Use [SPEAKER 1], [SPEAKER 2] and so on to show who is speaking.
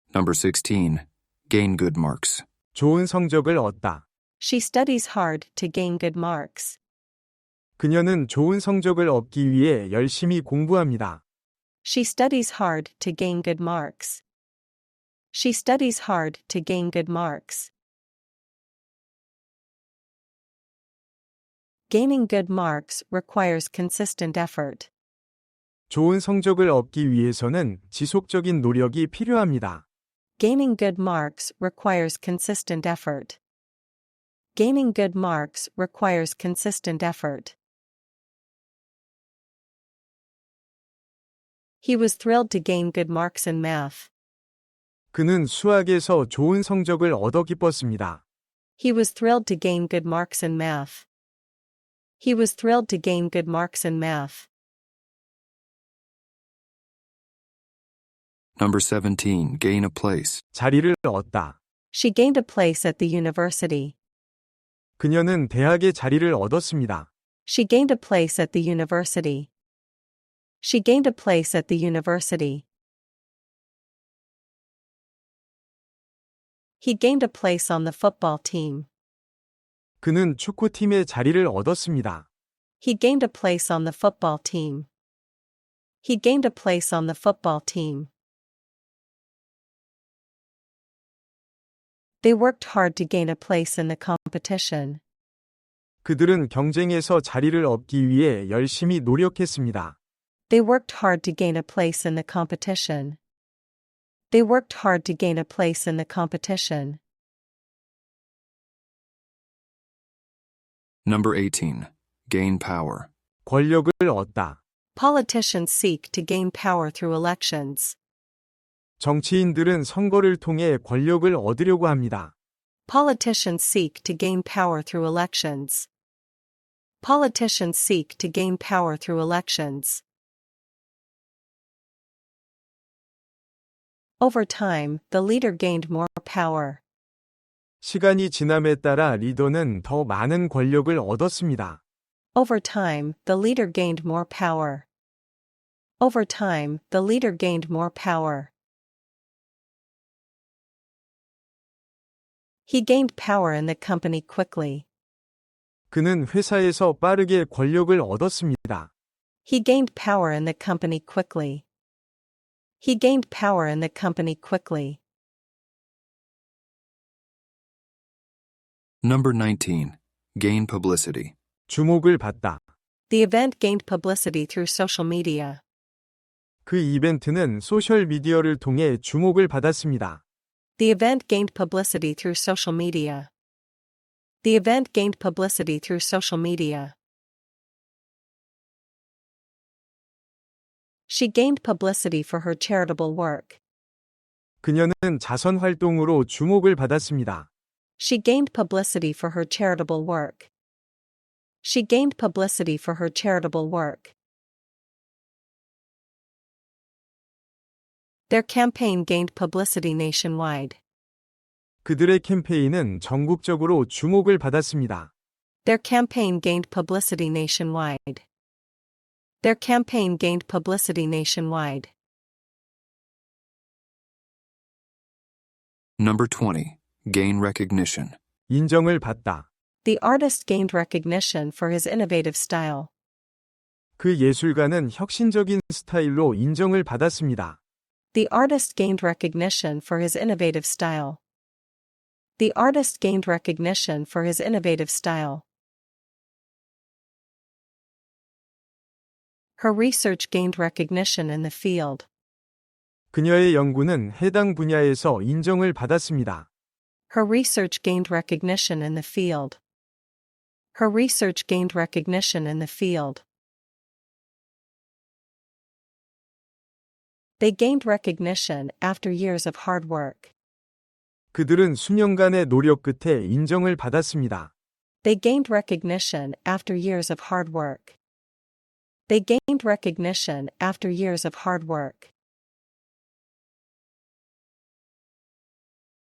[SPEAKER 1] Number 16. Gain good marks.
[SPEAKER 2] 좋은 성적을 얻다.
[SPEAKER 3] She studies hard to gain good marks.
[SPEAKER 2] 그녀는 좋은 성적을 얻기 위해 열심히 공부합니다.
[SPEAKER 3] She studies hard to gain good marks. She studies hard to gain good marks. Gaining good marks requires consistent effort.
[SPEAKER 2] 좋은 성적을 얻기 위해서는 지속적인 노력이 필요합니다.
[SPEAKER 3] Gaining good marks requires consistent effort. Gaining good marks requires consistent effort. He was thrilled to gain good marks in math.
[SPEAKER 2] 그는 수학에서 좋은 성적을 얻어 기뻤습니다.
[SPEAKER 3] He was thrilled to gain good marks in math. He was thrilled to gain good marks in math.
[SPEAKER 1] Number 17. Gain a place.
[SPEAKER 2] 자리를 얻다.
[SPEAKER 3] She gained a place at the university.
[SPEAKER 2] 그녀는 대학에 자리를 얻었습니다.
[SPEAKER 3] She gained a place at the university. She gained a place at the university. He gained a place on the football team.
[SPEAKER 2] 그는 축구팀에 자리를 얻었습니다.
[SPEAKER 3] He gained a place on the football team. He gained a place on the football team. They worked hard to gain a place in the competition.
[SPEAKER 2] 그들은 경쟁에서 자리를 얻기 위해 열심히 노력했습니다.
[SPEAKER 3] They worked hard to gain a place in the competition. They worked hard to gain a place in the competition.
[SPEAKER 1] Number 18. Gain power.
[SPEAKER 2] 권력을 얻다.
[SPEAKER 3] Politicians seek to gain power through elections.
[SPEAKER 2] 정치인들은 선거를 통해 권력을 얻으려고 합니다.
[SPEAKER 3] Politicians seek to gain power through elections. Politicians seek to gain power through elections. Over time, the leader gained more power.
[SPEAKER 2] 시간이 지남에 따라 리더는 더 많은 권력을 얻었습니다.
[SPEAKER 3] Over time, the leader gained more power. Over time, the leader gained more power. He gained power in the company quickly.
[SPEAKER 2] 그는 회사에서 빠르게 권력을 얻었습니다.
[SPEAKER 3] He gained power in the company quickly. He gained power in the company quickly.
[SPEAKER 1] Number 19. Gain publicity.
[SPEAKER 2] 주목을 받다.
[SPEAKER 3] The event gained publicity through social media.
[SPEAKER 2] 그 이벤트는 소셜미디어를 통해 주목을 받았습니다.
[SPEAKER 3] The event gained publicity through social media. The event gained publicity through social media. She gained publicity for her charitable work.
[SPEAKER 2] 그녀는 자선 활동으로 주목을 받았습니다.
[SPEAKER 3] She gained publicity for her charitable work. She gained publicity for her charitable work. Their campaign gained publicity nationwide.
[SPEAKER 2] 그들의 캠페인은 전국적으로 주목을 받았습니다.
[SPEAKER 3] Their campaign gained publicity nationwide. Their campaign gained publicity nationwide.
[SPEAKER 1] Number 20. Gain recognition.
[SPEAKER 2] 인정을 받다.
[SPEAKER 3] The artist gained recognition for his innovative style.
[SPEAKER 2] 그 예술가는 혁신적인 스타일로 인정을 받았습니다.
[SPEAKER 3] The artist gained recognition for his innovative style. The artist gained recognition for his innovative style. Her research gained recognition in the field.
[SPEAKER 2] 그녀의 연구는 해당 분야에서 인정을 받았습니다.
[SPEAKER 3] Her research gained recognition in the field. Her research gained recognition in the field. They gained recognition after years of hard work.
[SPEAKER 2] 그들은 수년간의 노력 끝에 인정을 받았습니다.
[SPEAKER 3] They gained recognition after years of hard work. They gained recognition after years of hard work.